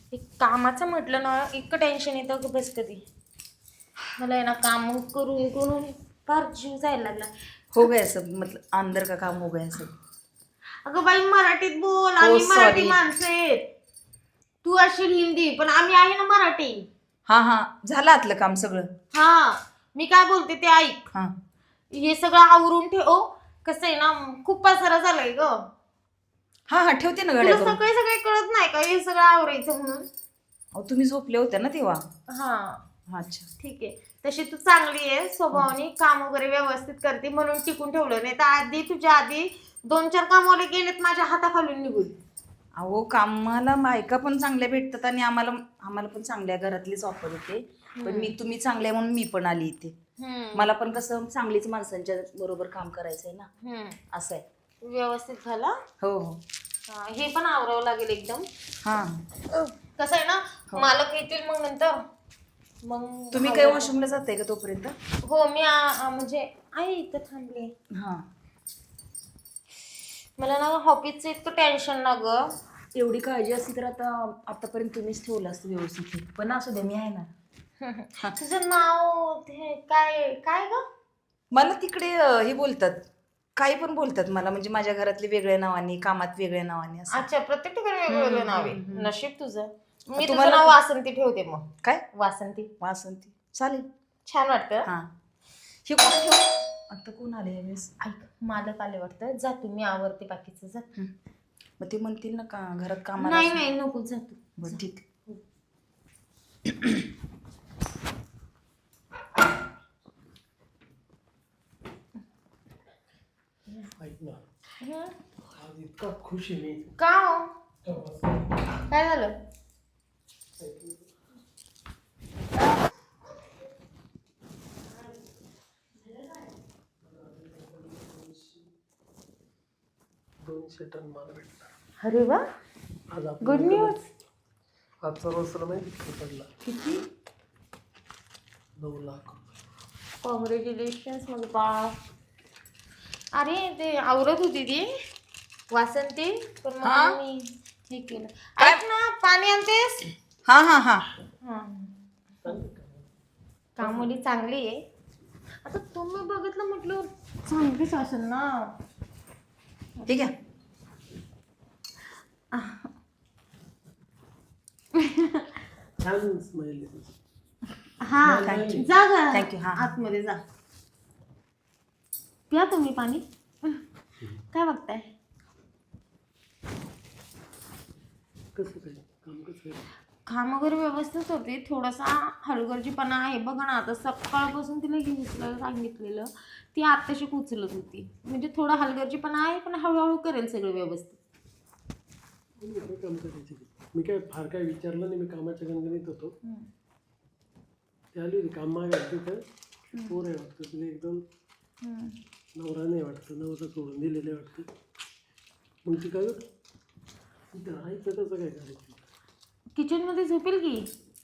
कामाचं म्हटलं ना इतकं टेन्शन येतं की बस कधी मला आहे ना काम करून करून फार जीव जायला लागला. हो गया सब, मतलब अंदर का काम हो गया सब. अगं बाई मराठीत बोल, हो, आम्ही मराठी sorry. माणसं आहेत. तू असेल हिंदी पण आम्ही आहे ना मराठी. हा हा, झालं आतलं काम सगळं. हा मी काय बोलते ते ऐक. हा हे सगळं आवरून ठेव. कसं आहे ना खूप पसारा झालाय ग. हा हा, ठेवते ना तुला गाड्या करून. सगळे सगळे कळत नाही का हे सगळं आवरायचं म्हणून. अहो तुम्ही झोपले होते ना तेव्हा. हा अच्छा. ठीक आहे. तशी तू चांगली आहे स्वभावाने, काम वगैरे व्यवस्थित करते म्हणून टिकून ठेवलं. नाही तर आधी तुझ्या आधी 2-4 कामवाले गेलेत माझ्या हाताखालून निघून. अहो कामाला बायका पण चांगल्या भेटतात आणि आम्हाला आम्हाला पण चांगल्या घरातलीच ऑफर होते. पण तुम्ही चांगल्या म्हणून मी पण आली इथे. मला पण कसं चांगलीच माणसांच्या बरोबर काम करायचंय ना, असं आहे. व्यवस्थित झाला. हो हो. हे पण आवरावं लागेल एकदम. हा कसं आहे ना मालक येतील मग नंतर. मग तुम्ही काही वॉशरूमला जाताय का तोपर्यंत? हो मी म्हणजे आहे इथं थांबले. हा. मला ना हॉबीचं इतकं टेन्शन ना ग. एवढी काळजी असती तर आतापर्यंत तुम्हीच ठेवलं असतं व्यवस्थित. पण असू दे, मी आहे ना. तुझं नाव ते काय काय ग? मला तिकडे हे बोलतात, काही पण बोलतात मला, म्हणजे माझ्या घरातले वेगळ्या नावाने, कामात वेगळ्या नावाने असं. अच्छा, प्रत्येक ठिकाणी वेगवेगळं नाव आहे. नशीब तुझं. मी तुझं तुम्हाला नाव वासंती ठेवते मग. काय? वासंती. वासंती चालेल. छान वाटतं. हा. हे कोण ठेव? आता कोण आले यावेळेस? ऐक मालक आले वाटतं. जा तू, मी आवरते बाकीचं. जा. मग ते म्हणतील ना का घरात कामाला नाही असं- नाही नको, जा तू. बरं ठीक. ऐक ना, आज इतका खुश आहे मी. का हो? काय झालं? $200 टन माल भेटला अरे वा, आज आपण. Good news. आजचा रोज तुला माहिती किती पडला? किती? 9 लाख. कॉंग्रॅच्युलेशन्स मग बा. अरे ते आवरत होती ती वासंती, पण मग मी हे केलं. ऐक ना, पाणी आणतेस? हा हा हा. कामोली चांगली आहे. आता तुम्ही बघितलं म्हटलं चांगलीच असेल ना. ठीक आहे. छान स्माइल आहे. हा Thank you. जा ग Thank you. हा. आतमध्ये जा. प्या तुम्ही पाणी. काय बघताय? कसं काय काम, कसं काय? काम वगैरे व्यवस्थित होते. थोडासा हलगर्जीपणा आहे बघा ना. आता सकाळपासून तिला हे उचलायला सांगितलेलं, ती आत्ताशी उचलत होती. म्हणजे थोडा हलगर्जीपणा आहे पण हळूहळू करेल सगळं व्यवस्थित. काम करायचे. मी काय फार काय विचारलं नाही. मी कामाच्या गणगणीत होतो. ते आली होती काम मागायला. तिथं पोर आहे वाटतं तिला, एकदम नवरा नाही वाटतं, नवरा सोडून दिलेलं वाटतं. मग ती काय तिथं राहायचं कसं काय करायचं? किचन मध्ये झोपेल की.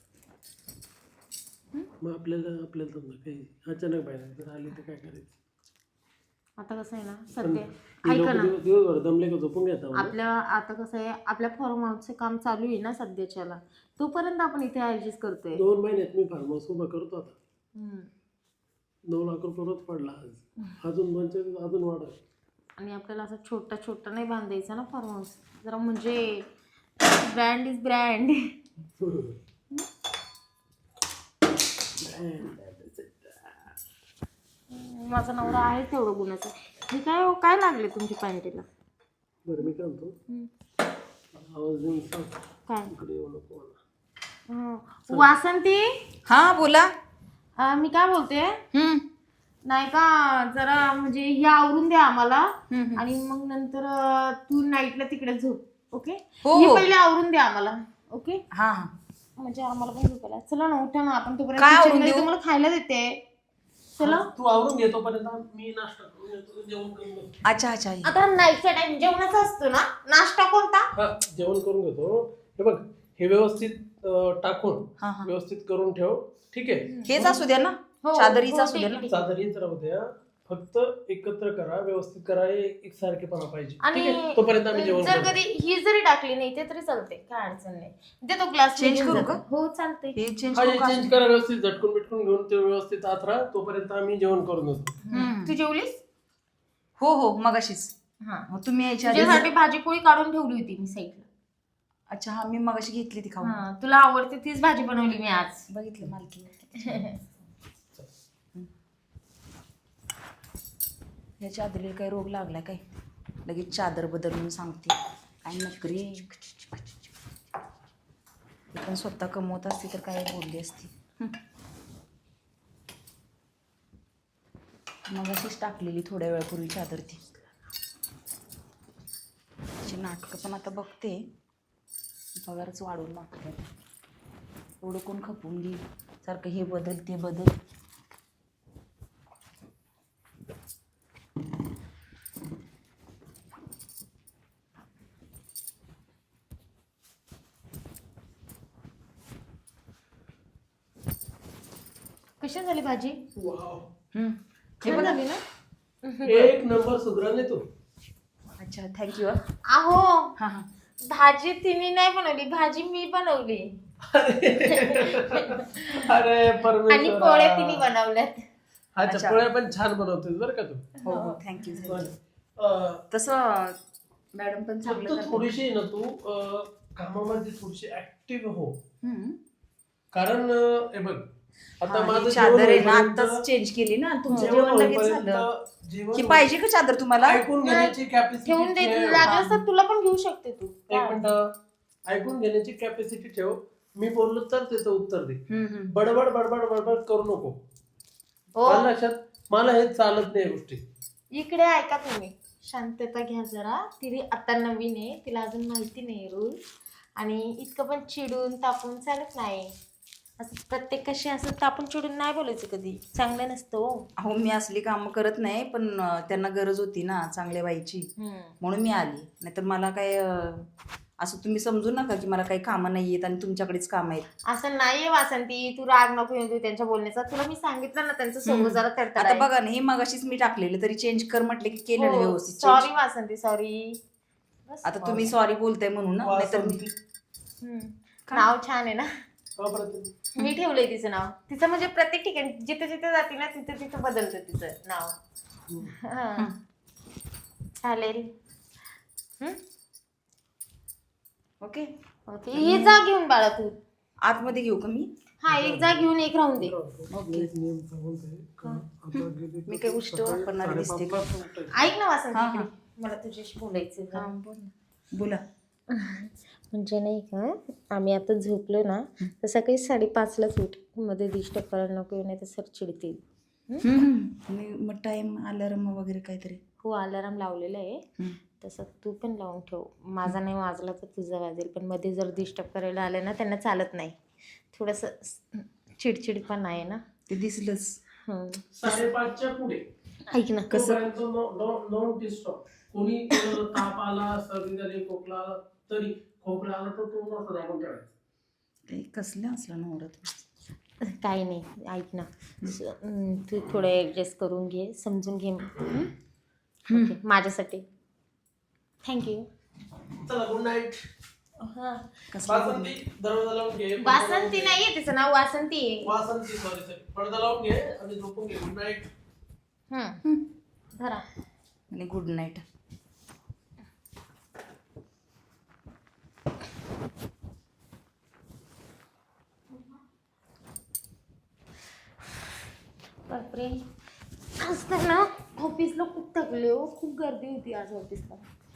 मग आपल्याला समजा काही अचानक बाहेर जर आली तर काय करायचं? आता कसं आहे ना सध्या ती ऐका लोक ना, दिवसभर दमले का झोपून घेता. आपल्या आता कसं आहे आपल्या फार्म हाऊसचं काम चालू आहे ना सध्याच्याला, तोपर्यंत आपण इथे ऍडजस्ट करतोय. 2 महिन्यात मी फार्म हाऊस उभा करतो आता. 9 लाख रुपये रोज पडला आज. अजून 2-4 अजून वाढ. आणि आपल्याला असं छोटा छोटा नाही बांधायचा ना फार्म हाऊस. जरा म्हणजे ब्रँड इज ब्रँड. माझा नवरा आहे तेवढं गुणाचा. हे काय हो, काय लागले तुमच्या पॅन्टीला? बरं मी काय म्हणतो, आवाज देऊन सांग काय? इकडे येऊ नको मला. वासंती, हा बोला. मी काय बोलते नाही का, जरा म्हणजे हे आवरून द्या आम्हाला. आणि मग नंतर तू नाईटला तिकडे झोप. ओके, हो, हे हो. पहिले आवरून द्या आम्हाला. ओके, हा हा. म्हणजे आम्हाला पण झोपायला. चला ना उठा ना, आपण तोपर्यंत काय आवरून kitchen मध्ये देऊ? तुम्हाला खायला देते. चला. तू आवरून घेतो पर्यंत मी नाश्ता करून येतो, जेवण करून घेतो. अच्छा अच्छा. आता नाईटचा टाइम जेवणाचा असतो ना, नाश्ता कोणता? हा, जेवण करून घेतो. हे बघ, हे व्यवस्थित टाकून हा हा. व्यवस्थित करून ठेव. ठीक आहे. हेच असू द्या ना, हो, चादरीच हो, असू द्या ठीक ना. आहे. चादर हीच राहू द्या. फक्त एकत्र करा, व्यवस्थित करा, एक सारखेपणा पाहिजे. ठीक आणि आहे, तोपर्यंत आम्ही जेवण जर करू. कधी ही जरी टाकली नाही ते तरी चालते, काय अडचण नाही. ते तो ग्लास Change करू का? हो चालते. हे चेंज हा, करू का? चेंज करा व्यवस्थित, झटकून बिटकून घेऊन ते व्यवस्थित आत राहा, तोपर्यंत आम्ही जेवण करून येतो. तू जेवलीस? हो हो मगाशीच. हा. मग तुम्ही यायच्या आधी तुझ्यासाठी भाजी पोळी काढून ठेवली होती मी साईडला. अच्छा हा मी मगाशी घेतली ती खाऊन. हा, तुला आवडते तीच भाजी बनवली मी आज. बघितलं मालकी. याच्या आदरी काही रोग लागला काय? लगेच चादर बदल म्हणून सांगते. काय नकरी. ती पण स्वतः कमवत असती तर काय बोलली असती. मग अशीच टाकलेली थोड्या वेळापूर्वी चादर ती. तिची नाटकं पण आता बघते. पगारच वाढवून मागते. एवढं कोण खपून घेईल सारखं हे बदल ते बदल. कशी झाली भाजी? वाव, हे छान बघा. झाली ना? एक नंबर सुधराले तू. अच्छा थँक्यू. अहो, हां हां भाजी तिने नाही बनवली, भाजी मी बनवली. अरे आणि परमेश्वरा. पोळ्या तिने बनवल्यात. अच्छा, अच्छा. पोळ्या पण छान बनवतेस बरं का तू. हो हो थँक्यू थँक्यू. अं, तसं मॅडम पण फक्त चांगलं करतात. थोडीशी आहे ना तू कामामध्ये थोडीशी ऍक्टिव्ह हो. हम्म. कारण हे बघ, आता हा, ही माझं चादर आहे ना होईपर्यंत- आताच चेंज केली ना तुमचं जेवण जेवण लगेच होईपर्यंत झालं. जेवण ही पाहिजे का चादर तुम्हाला? ऐकून घेण्याची कॅपॅसिटी ठेवून दे, ठेव. लागलं तर तुला पण घेऊ शकते तू. एक मिनिट, ऐकून घेण्याची कॅपॅसिटी ठेव. मी बोललो तर त्याचं उत्तर दे. हम्म. बडबड बडबड बडबड करू नको. हो, मला लक्षात, मला हे चालत नाही या गोष्टी. इकडे ऐका तुम्ही, शांतता घ्या जरा. तिने आता नवीन आहे, तिला अजून माहिती नाही रूल. आणि इतकं पण चिडून तापून चालत नाही. असं प्रत्येक कशी असं तापून चिडून नाही बोलायचं कधी, चांगलं नसतं हो. अहो मी असली कामं करत नाही पण त्यांना गरज होती ना चांगल्या बाईची म्हणून मी आली. नाहीतर मला काय असं तुम्ही समजू नका की मला काही कामं नाही आहेत आणि तुमच्याकडेच कामं आहेत. असं नाहीये वासंती, तू राग नको येऊ देऊ त्यांच्या बोलण्याचा. तुला मी सांगितलं ना त्यांचं सोबत जरा तडतड आता आहे. बघा ना हे मगाशीच मी टाकलेलं तरी चेंज कर म्हटले की केलं ना व्यवस्थित सॉरी change. वासंती, सॉरी. आता तुम्ही सॉरी बोलताय म्हणून ना नाहीतर मी वासंती. नाव छान आहे ना. का बरं ते? मी ठेवलंय तिचं नाव. तिचं म्हणजे प्रत्येक ठिकाणी जिथे जिथे जाते ना तिथे तिथे बदलतं तिचं नाव. हा. चालेल. ओके. ओके, हे जा घेऊन बाळा तू. आतमध्ये घेऊ का मी? हा, एक जा घेऊन एक राहून दे. तुला एक नियम सांगतोय का? आता गेली मी काही गोष्ट सकाळी वापरणारी दिसते का? 5:30 उठायचं. ऐक ना वासंती, हा, हा. इकडे. मला तुझ्याशी बोलायचं आहे जरा. बोला. म्हणजे नाही का, आम्ही आता झोपलो ना तर सकाळी 5:30लाच उठ. मध्ये डिस्टर्ब करायला नको, नाही तर सर चिडतील. मग टाइम अलार्म वगैरे काहीतरी. हो, अलाराम लावलेला आहे. तसं तू पण लावून ठेव. माझा नाही वाजला तर तुझा वाजेल. पण मध्ये जर डिस्टर्ब करायला आले ना त्यांना चालत नाही. थोडंसं चिडचिड पण आहे ना. ते दिसलंच. 5:30च्या पुढे ऐक ना, कसं? Non disturb. कोणी ताप आला, सर्दी झाली, खोकला आला तरी, खोकला आला तर तो नसं दाबून ठेवायचा. ते कसलं असलं नवरा तू. काही नाही. ऐक ना, तू थोडं ॲडजस्ट करून घे, समजून घे. ओके, माझ्यासाठी. थँक्यू. चला, गुड नाईट. हां, वासंती, दरवाजा लावून घे. वासंती नाहीये तिचं नाव, वासंती आहे. वासंती, सॉरी. पडदा लावून घे आणि झोपून घे. Good night. धरा. आणि गुड नाईट. बापरे, आज तर ना ऑफिसला खूप थकले हो. खूप गर्दी होती आज ऑफिसला.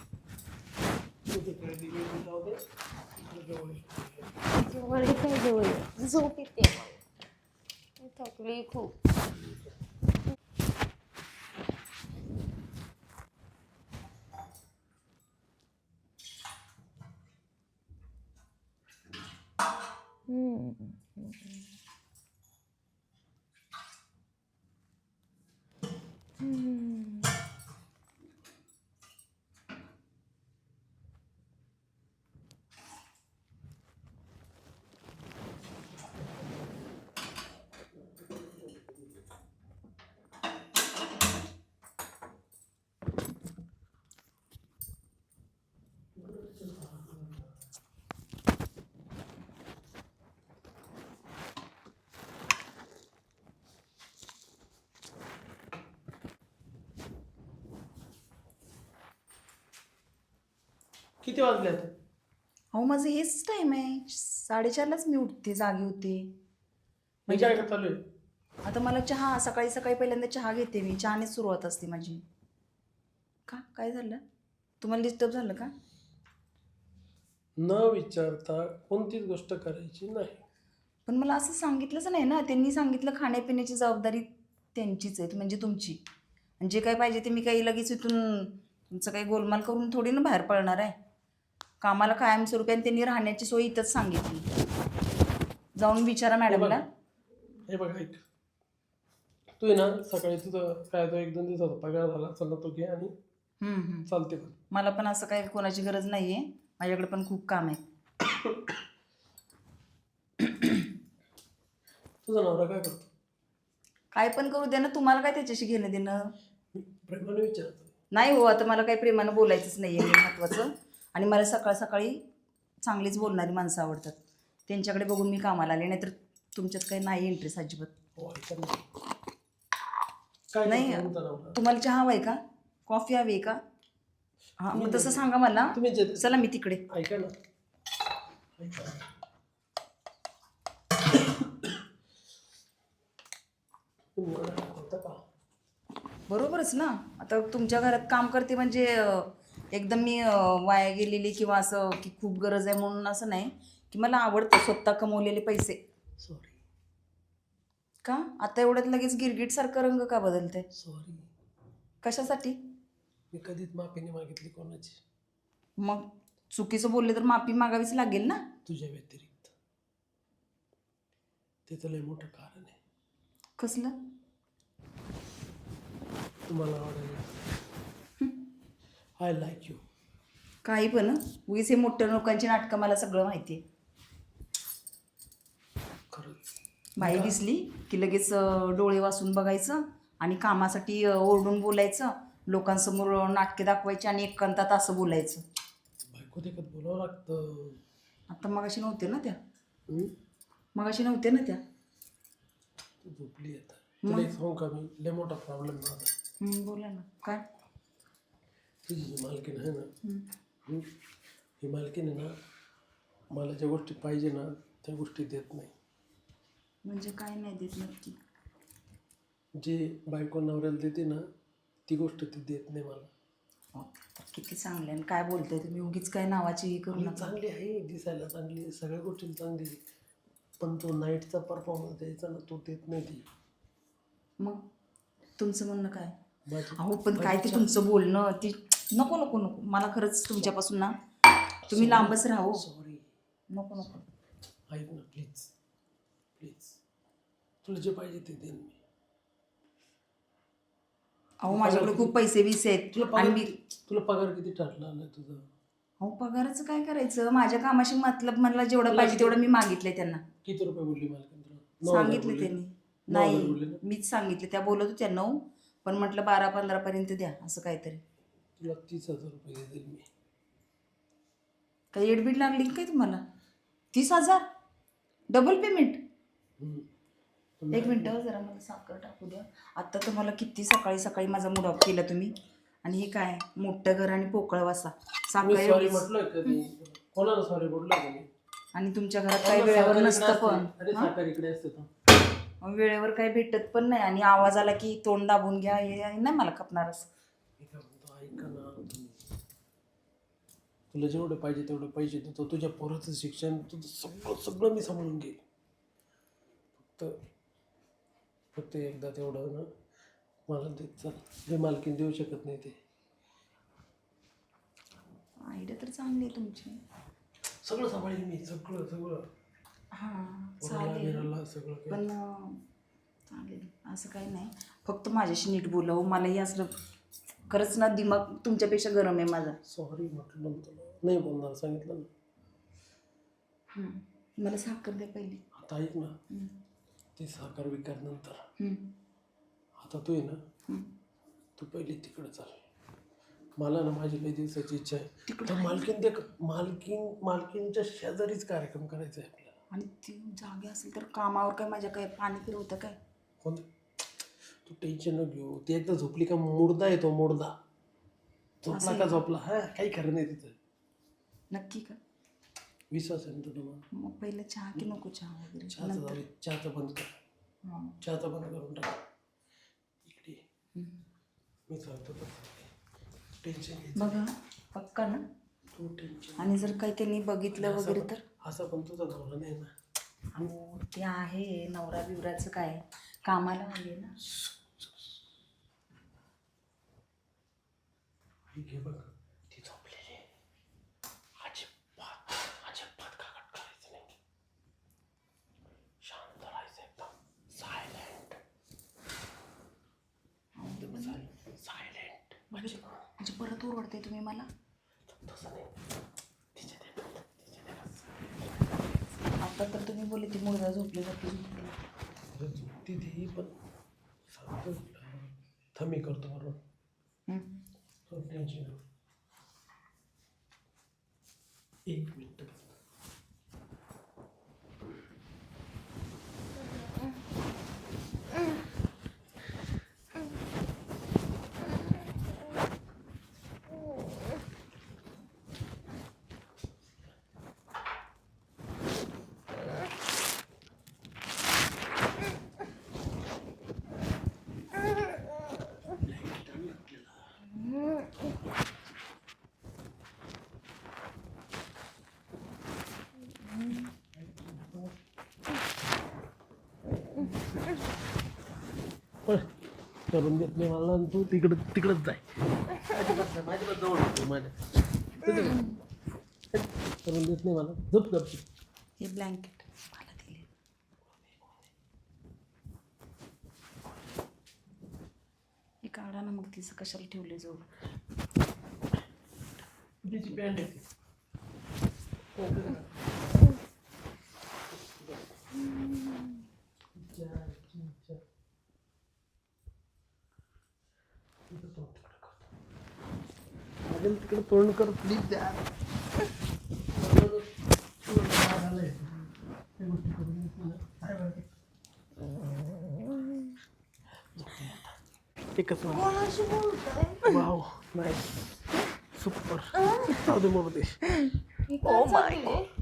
जवळ आहे काय, जवळ आहे. झोप येते. थकली खूप. किती वाजले आता? अहो माझं हेच टाइम आहे, 4:30लाच मी उठते, जागी होते. मी काय चालू आहे? आता मला चहा, सकाळी सकाळी पहिल्यांदा चहा घेते मी, चहानेच सुरुवात असते माझी. का काय झालं, तुम्हाला डिस्टर्ब झालं का? न विचारता कोणतीच गोष्ट करायची नाही. पण मला असं सांगितलंच नाही ना, त्यांनी सांगितलं खाण्यापिण्याची जबाबदारी त्यांचीच आहे, म्हणजे तुमची. आणि जे काय पाहिजे ते मी काही लगेच इथून तुमचं काही गोलमाल करून थोडी ना बाहेर पडणार आहे. कामाला कायमस्वरूपी आणि त्यांनी राहण्याची सोय इथंच सांगितली. जाऊन विचारा मॅडमला. हे बघ ऐक, तू आहे ना सकाळी तुझं काय तो 1-2 दिवसाचा पगार झाला चला तो घे आणि चालते. पण मला पण असं काही कोणाची गरज नाही आहे, माझ्याकडे पण खूप काम आहे. तुझा नवरा काय करतो? काय पण करू दे ना, तुम्हाला काय त्याच्याशी घेणं देणं? मी प्रेमाने विचारतो. नाही हो, आता मला काही प्रेमानं बोलायचंच नाही आहे महत्त्वाचं. आणि मला सकाळ सकाळी चांगलीच बोलणारी माणसं आवडतात, त्यांच्याकडे बघून मी कामाला आले. नाहीतर तुमच्यात काही नाही इंटरेस्ट अजिबात. हो ऐका ना. काय नाही, करतो तुमचा नवरा? तुम्हाला चहा हवाय का, कॉफी हवी आहे का? हां मग तसं सांगा मला. तुम्ही जे चला मी तिकडे. ऐका ना, ऐका. तुम्ही एवढं काय करता का? बरोबरच ना, आता तुमच्या घरात काम करते म्हणजे एकदम मी वाया गेलेली किंवा असं की खूप गरज आहे म्हणून असं नाही. की मला आवडतं स्वतः कमवलेले पैसे. सॉरी का आता एवढ्यात लगेच गिरगिटसारखं रंग का बदलते? सॉरी, कशासाठी? मी कधीच माफी नाही मागितली कोणाची. मग चुकीचं बोलले तर माफी मागावीच लागेल ना. तुझ्या व्यतिरिक्त. ते तर लय मोठं कारण आहे. कसलं? तुम्हाला आवडेल. I like you. काही पण उगीच हे मोठ्या लोकांची नाटकं मला सगळं माहिती आहे. खरंच बाई दिसली की लगेच डोळे वासून बघायचं आणि कामासाठी ओरडून बोलायचं, लोकांसमोर नाटके दाखवायची आणि एकांतात असं बोलायचं. बायको देखत बोलावं लागतं. आता मगाशी नव्हते ना त्या, हम्म? मगाशी नव्हते ना त्या. तू झोपली आता. तुला एक सांगू का मी, लय मोठा प्रॉब्लेम माझा. बोला ना. काय? तुझी जी मालकीन आहे ना, ही मालकीन आहे ना, मला ज्या गोष्टी पाहिजे ना त्या गोष्टी देत नाही. म्हणजे काय नाही देत नक्की? जे बायको नवऱ्याला देते ना ती गोष्ट ती देत नाही मला. हो, किती चांगलं आहे. काय बोलताय तुम्ही, उगीच काय नावाची हे करू मी नका. चांगली आहे, दिसायला चांगली आहे, सगळ्या गोष्टी चांगली आहे. पण तो नाईटचा परफॉर्मन्स द्यायचा ना तो देत नाही ती. मग तुमचं म्हणणं काय? माझी अहो पण काय ते तुमचं बोलणं ती नको नको नको. मला खरंच तुमच्यापासून ना तुम्ही लांबच राहू. सॉरी. नको नको. ऐक ना प्लीज प्लीज, तुला जे पाहिजे ते देईन मी. अहो माझ्याकडे खूप पैसे बिसे आहेत आणि मी. तुला पगार किती ठरला आलाय तुझा? अहो पगाराचं काय करायचं, माझ्या कामाशी मतलब मला जेवढं पाहिजे तेवढं मी मागितलंय त्यांना. किती रुपये बोलली मालकीन तुला? 9,000 सांगितले बोलली? त्यांनी. 9,000 बोलले नाही ना? मीच सांगितले, त्या बोलत होत्या 9, पण म्हटलं 12-15 पर्यंत द्या असं काहीतरी. तुला 30,000 रुपये देईल मी. काही एडबीड लागली काय तुम्हाला? 30,000 डबल पेमेंट? एक मिनटं जरा मला साखर टाकू द्या. आत्ता तुम्हाला किती सकाळी सकाळी माझा मूड ऑफ केला तुम्ही. आणि हे काय मोठं घर आणि पोकळ वासा मी साखर सॉरी एवढीच. म्हटलोय कधी? कोणाला सॉरी बोललोय का मी? आणि तुमच्या घरात काही वेळेवर नसतं पण. अरे साखर इकडे असते तर. वेळेवर काही भेटत पण नाही आणि आवाज आला की तोंड दाबून घ्या, हे नाही मला खपणार असं. मी काय म्हणतो ऐका ना तुम्ही. तुला जेवढे पाहिजे तेवढे पैसे देतो, तुझ्या पोराचं शिक्षण तुझं सगळं सगळं मी सांभाळून घेईल. फक्त एकदा तेवढं ना मला देत चल, जे मालकीन देऊ शकत नाही ते. आयडिया तर चांगली आहे तुमची. सगळं सांभाळेल मी, सगळं सगळं. हां पोराला, चालेल. बिराला सगळं काही. पण चालेल असं काही नाही, फक्त माझ्याशी नीट बोलावं. मलाही असलं खरंच ना दिमाग तुमच्यापेक्षा गरम आहे माझा. सॉरी म्हटलं ना तुला, नाही बोलणार सांगितलं ना. मला साखर द्या पहिली. आता ऐक ना, ते साखर विकार नंतर. आता तू आहे ना, तू पहिले तिकडे चाल. मला ना माझी काही दिवसाची इच्छा आहे. तर मालकीनच्या शेजारीच कार्यक्रम करायचा आहे आपल्याला. आणि ती जागे असेल तर कामावर काय माझ्या काय पाणी फिरवतं काय? कोणतं? तू टेन्शन न घेऊ. ती एकदा झोपली का मुर्दा येतो, मुर्दा. झोपला का झोपला, हा काही खरं नाही तिथं. नक्की का? विश्वास आहे ना तुला मला? मग पहिलं चहा की नको चहा वगैरे चहाचं जाऊ दे, चहाचं बंद कर, हां. चहाचं बंद करून टाक. इकडे ये. हम्म. मी सांगतो तसं टेन्शन घ्यायचं. बघा पक्का ना? तू टेन्शन आणि जर काही त्यांनी बघितलं वगैरे तर? असं पण तुझा नवरा नाही ना. हो ते आहे, नवरा बिवराचं काय, कामाला आहे ना. घे बघ, ती झोपलेली आहे. अजिबात अजिबात काकट करायचं नाही. शांत राहायचं, एकदम सायलेंट सायलेंट. म्हणजे परत ओरडते तुम्ही मला? तसं नाही. आता तर तुम्ही बोलले ती मुलगा झोपली झोपली. झोपती ती पण सांगतो थमी करतो बरोबर. टेन्शन घेऊ. एक मिनिट. करून देत नाही मला, तू तिकडच जाय. माझ्या जवळ होतो माझ्या करून देत नाही मला. झोप गपची. हे ब्लँकेट मला दिले. हे काढा ना मग, तिचं कशाला ठेवले जवळ? तिची पॅन्ट आहे ती. तिकडे तोंड कर प्लीज द्या. एकच वाव नाही सुपर. जाऊ दे मग ते. ओ माय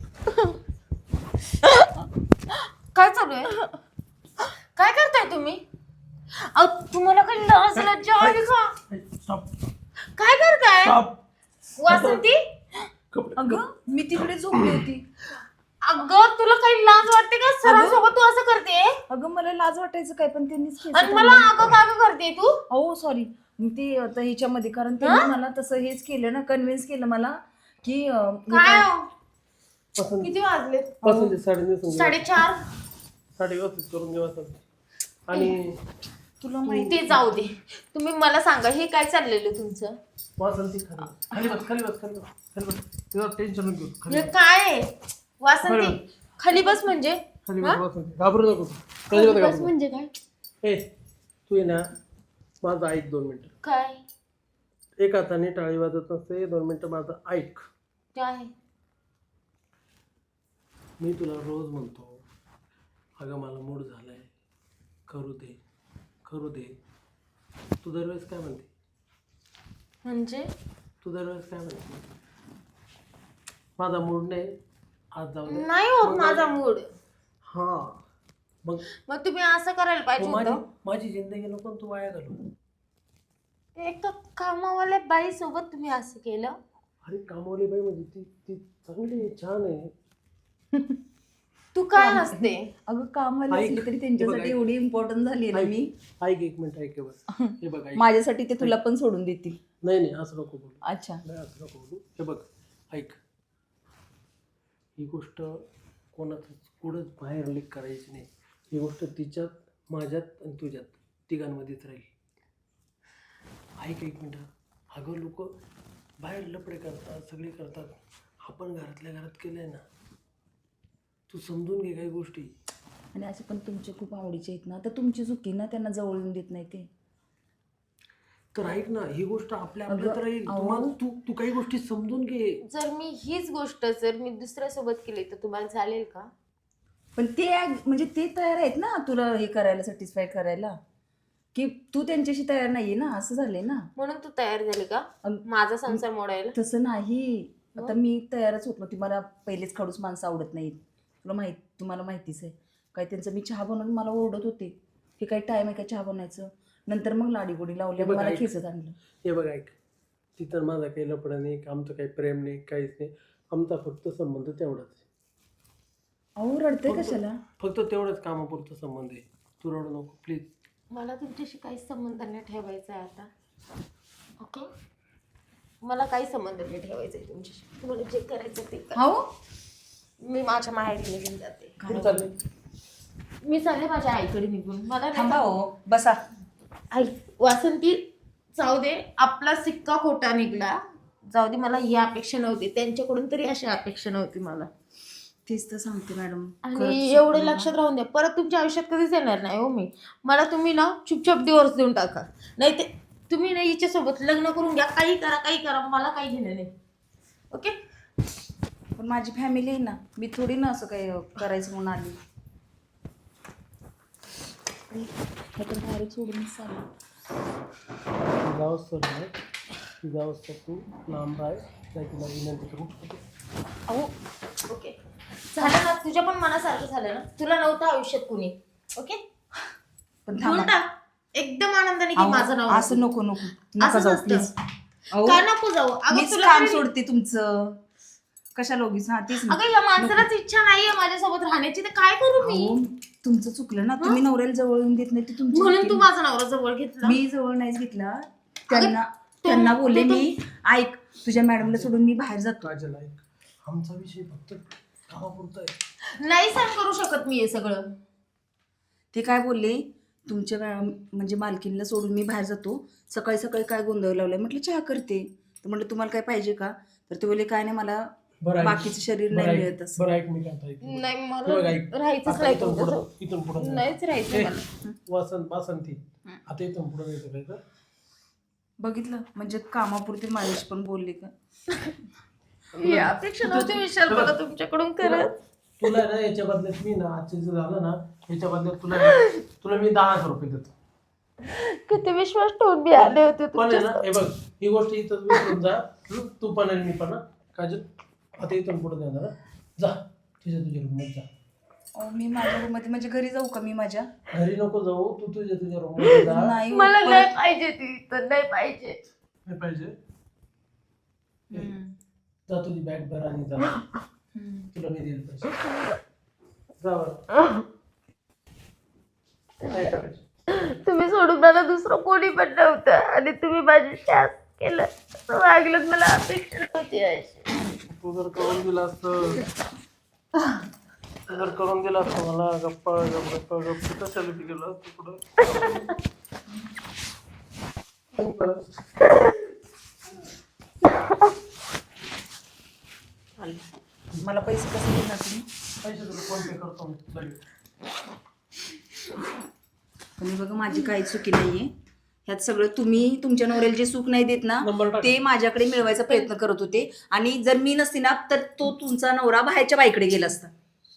काय चालू आहे? काय करताय तुम्ही? तुम्हाला काही लाज लज्जा आली का? स्टॉप काय करताय स्टॉप. वासंती? अगं मी तिकडे झोपली होती. अगं तुला काही लाज वाटते का? सरांसोबत तू असं करते अगं मला लाज वाटायचं काय, पण त्यांनीच केलं. आणि मला अगं का ग करते तू? हो सॉरी. ते आता ह्याच्यामध्ये कारण त्यांनी मला तसं हेच केलं ना, कन्व्हिन्स केलं मला की काय हो? पसंत किती वाजले? पसंत आहे. 4:30 4:30. साडी व्यवस्थित करून घे वासंत. आणि तुला माहिती ते जाऊ दे. तुम्ही मला सांगा हे काय चाललेलं तुमचं? वासंती खाली बस खाली बस खाली बस खाली बस. तुझं टेन्शन घेऊ. खाली हे काय आहे? वासंती खाली बस म्हणजे? खाली बस वासंती. घाबरू नको. खाली खाली बस बस. म्हणजे काय? ए तू ये ना, माझं ऐक 2 मिनिटं. काय एक हाताने टाळी वाजत नसते. 2 मिनिटं माझं ऐक. काय? मी तुला रोज म्हणतो, अगं मला मूड झालाय, करू दे करू दे. तू दरवेळेस काय म्हणते? म्हणजे तू दरवेळेस काय म्हणते? माझा मूड नाही, आज जाऊ दे. नाही होत माझा मूड. हा मग तुम्ही असं करायला पाहिजे माझी होतं. माझी जिंदगी नको तू वाया घालू. एका कामावाल्या बाई सोबत तुम्ही असं केलं? अरे कामवाली बाई म्हणजे ती ती चांगली आहे, छान आहे. तू काय हसते? अगं कामाला असली तरी त्यांच्यासाठी एवढी इम्पॉर्टंट झाली ना मी. ऐक एक मिनिट ऐक बस. हे बघ ऐक. माझ्यासाठी ते तुला पण सोडून देतील. नाही नाही असं नको बोलू. अच्छा नाही असं नको बोलू. हे बघ ऐक, ही गोष्ट कोणाचं कुठंच बाहेर लीक करायची नाही. ही गोष्ट तिच्यात, माझ्यात आणि तुझ्यात तिघांमध्येच राहील. ऐक एक मिनिट. अगं लोक बाहेर लपडे करतात, सगळे करतात. आपण घरातल्या घरात केलंय ना. तू समजून घे काही गोष्टी. आणि असे पण तुमचे खूप आवडीचे आहेत ना, तर तुमची चुकी ना त्यांना जवळून देत नाही ते. तर ऐक ना, ही गोष्ट आपल्या अगं, आपल्यात राहील. अहो. तू काही गोष्टी समजून घे. जर मी हीच गोष्ट जर मी दुसऱ्यासोबत केली तर तुम्हाला चालेल का? पण ते म्हणजे ते तयार आहेत ना तुला हे करायला, सॅटिस्फाय करायला, की तू त्यांच्याशी तयार नाहीये ना, असं झालंय ना. म्हणून तू तयार झाली का अग- माझा संसार मोडायला? तसं नाही. आता मी तयारच होत नव्हती. मला पहिलेच खडूस माणसं आवडत नाहीत. तुम्हाला माहितीच आहे. काय त्यांचं मी चहा बनवून मला ओरडत होते की काही टाइम आहे का चहा बनवायचं. नंतर मग लाडीगोडी लावली आणि मला खेचत आणलं. हे बघ ऐक, तिथं माझा काही लपडा नाही, आमचं काही प्रेम नाही, काहीच नाही. आमचा फक्त संबंध तेवढाच. अहो रडते कशाला? फक्त तेवढंच कामापुरता संबंध आहे. तू रडू नको प्लीज. मला तुमच्याशी काहीच संबंध नाही ठेवायचा आहे आता. ओके, मला काही संबंध नाही ठेवायचा आहे तुमच्याशी. तुम्हाला जे करायचं ते करा. हो मी माझ्या माहेरी निघून जाते. कुठं चालले? मी चालले माझ्या आईकडे निघून. मला थांबा हो, बसा. आई वासंती, जाऊ दे, आपला सिक्का खोटा निघला. जाऊ दे, मला ही अपेक्षा नव्हती त्यांच्याकडून, तरी अशी अपेक्षा नव्हती मला. तेच तर सांगते मॅडम. आणि एवढं लक्षात राहून द्या, परत तुमच्या आयुष्यात कधीच येणार नाही हो मी. मला तुम्ही ना चुपचाप डिवोर्स देऊन टाका. नाही ते तुम्ही ना हिच्यासोबत लग्न करून घ्या, काही करा, मला काही घेणं नाही. ओके. पण माझी फॅमिली आहे ना, मी थोडी ना असं काही करायचं म्हणून आली. डायरेक्ट सोडूनच चालू. जावंच तर नाही, जावंच तर तू लांब राह, नाही तुला विनंती करू. अहो ओके, झालं ना, तुझ्या पण मनासारखं झालं ना. तुला नव्हतं आयुष्यात कुणी. ओके, पण घेऊन टाक एकदम आनंदाने की माझं नाव असं नको नका असं जाऊ नसतं. प्लीज. का नको जाऊ? अगं मीच तुला काम तरी- सोडते तुमचं. कशाला उगीच? हा तेच ना. अगं या माणसालाच इच्छा नाहीये माझ्यासोबत राहण्याची, तर काय करू मी? अहो, तुमचं चुकलं ना. तुम्ही नवऱ्याला जवळ येऊन देत नाही ते तुमची म्हणून चुकी. तू माझा नवरा जवळ घेतला. मी जवळ नाहीच घेतला. त्यांना बोलले मी, ऐक तुझ्या मॅडमला सोडून मी बाहेर जातो. काजल ऐक, आमचा विषय फक्त कामापुरता आहे. नाही सहन करू शकत मी हे सगळं. ते काय बोलले, तुमच्या म्हणजे मालकीनला सोडून मी बाहेर जातो. सकाळी सकाळी काय गोंधळ लावलाय. म्हटलं चहा करते. तर म्हटलं तुम्हाला काय पाहिजे का? तर ते बोलले काय नाही, मला बरं ऐक, बाकीचं शरीर नाही मिळत असं. बरं ऐक, मी काय ऐक. नाही हे मला बघ ऐक, राहायचंच आता नाही इथून तुमच्यासोबत. पुढं- इथून पुढं नाहीच राहायचं मला. वासंती, आता इथून पुढं नाही काय तर बघितलं, म्हणजे कामापुरते माझ्याशी पण बोलले का? ही अपेक्षा नव्हती विशाल मला तुमच्याकडून करत. तुला ना याच्या बदल्यात मी ना, आजचे जे झालं ना, याच्या बदल्यात तुला मी 10,000 रुपये देतो. किती विश्वास ठेवून मी आले होते पण आहे ना, तुमच्या. हे बघ, ही गोष्ट इथं विसरून जा. तू पण आणि मी पण ना. काजल आता इथून पुढे देणार ना. जा तुझ्या रूममध्ये जा. मी माझ्या रूममध्ये म्हणजे घरी जाऊ का? मी माझ्या घरी नको जाऊ, तू तुझ्या रूममध्ये जा. नाही होत मला परत. नाही पाहिजे ती, तर नाही पाहिजे. काय पाहिजे? जा तुझी बॅग भर आणि जा. तुला मी देईल पैसे. जा बरं. काय करायचं? तुम्ही सोडून मला दुसरं कोणी पण नव्हतं, आणि तुम्ही माझी शास केलं. वागलं, मला अपेक्षा नव्हती अशी. तू जर करून दिला असतं मला गप्पा कशाला गेलो असतो पुढं. मला पैसे कसे देणार तुम्ही? पैसे तुला फोन पे करतो मी लगेच. पण बघा, माझी काही चुकी नाहीये ह्यात. सगळं तुम्ही तुमच्या नवऱ्याला जे सुख नाही देत ना, नंबर टाक. ते माझ्याकडे मिळवायचा प्रयत्न करत होते. आणि जर मी नसती ना, तर तो तुमचा नवरा बाहेरच्या बाईकडे गेला असता.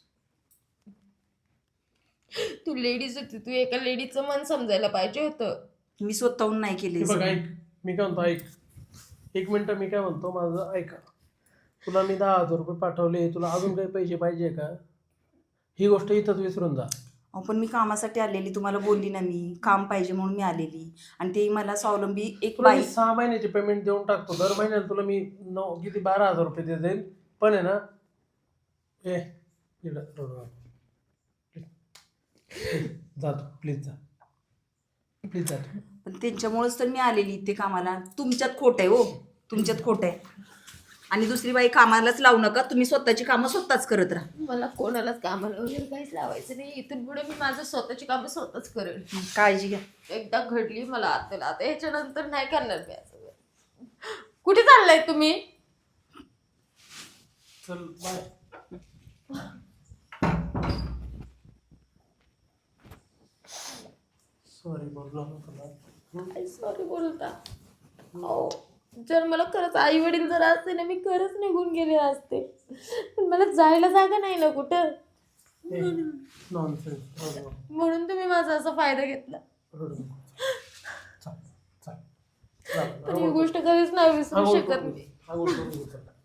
तू लेडीज होती, तू एका लेडीचं मन समजायला पाहिजे होतं. मी स्वतःहून नाही हे केले. बघ ऐक, मी काय म्हणतो ऐक, एक मिनिट. मी काय म्हणतो, माझं ऐका. तुला मी 10,000 रुपये पाठवले, तुला अजून काही पैसे पाहिजे का? ही गोष्ट इथंच विसरून जा. पण मी कामासाठी आलेली, तुम्हाला बोलली ना, मी काम पाहिजे म्हणून मी आलेली. आणि ते मला स्वावलंबी एक तुला मी बाई. 6 महिन्याचे पेमेंट देऊन टाकतो. दर महिन्याला तुला मी 12,000 रुपये देत जाईल. पण आहे ना, जा तू प्लीज, जा प्लीज, जा तू. पण त्यांच्यामुळेच तर मी आलेली इथे कामाला. तुमच्यात खोट आहे हो, तुमच्यात खोट आहे. आणि दुसरी बाई कामालाच लावू नका. तुम्ही स्वतःची कामं स्वतःच करत राहा. मला कोणालाच कामाला वगैरे काहीच लावायचं नाही. इथून पुढे मी माझं स्वतःची कामं स्वतःच करेल. काळजी घ्या. एकदा घडली मला आता ह्याच्यानंतर नाही करणार मी असं. कुठे चाललाय तुम्ही? चल बाय. सॉरी बोललो ना तुला. सॉरी बोलता. हो, जर मला खरंच आई वडील जर असते ना, मी खरंच निघून गेले असते. पण मला जायला जागा नाही ना कुठं. नॉनसेन्स. म्हणून तुम्ही माझा असा फायदा घेतला. पण ही गोष्ट कधीच नाही विसरू शकत मी.